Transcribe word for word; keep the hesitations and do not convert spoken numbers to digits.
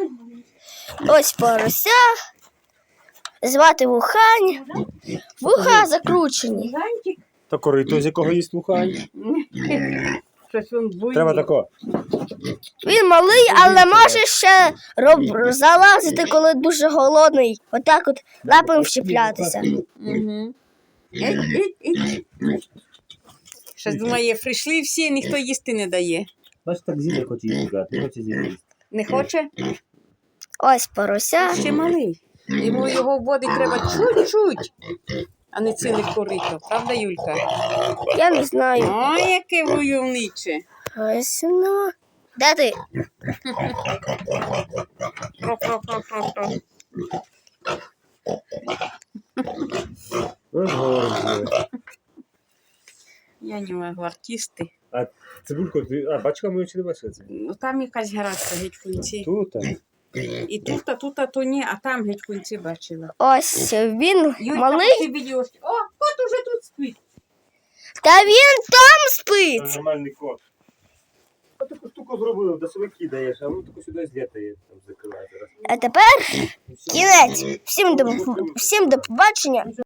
Ось порося. Звати Вухань. Вуха закручені. Та корито, з якого їсть Вухань. Треба тако. Він малий, але може ще роб... залазити, коли дуже голодний. Отак от лапами вщеплятися. Угу. Щось думає, прийшли всі, ніхто їсти не дає. Бачиш, так Зіля хоче їсти, не хоче Зіля їсти. Не хоче? Ось порося. Ще малий. Йому його вводить треба чуть-чуть, а не ціле корито. Правда, Юлька? Я не знаю. Ой, яке войовниче. Ось ну. Де ти? Про-про-про-про-про. Ось город. Я не можу, артисти. А цибульку, ти... а бачка ми чи не бачили цибульку? Ну там якась гаразд геть в кінці. Тут, а. І тут, а тут, а то ні, а там геть в кінці бачила. Ось він Юлька, малий. ти відео. О, кот уже тут спить. Та він там спить. Нормальний кот. А таку штуку зробив, до себе кидаєш, а воно таку сюди злітає, там закриває зараз. А тепер кінець. Всім до, всім до побачення.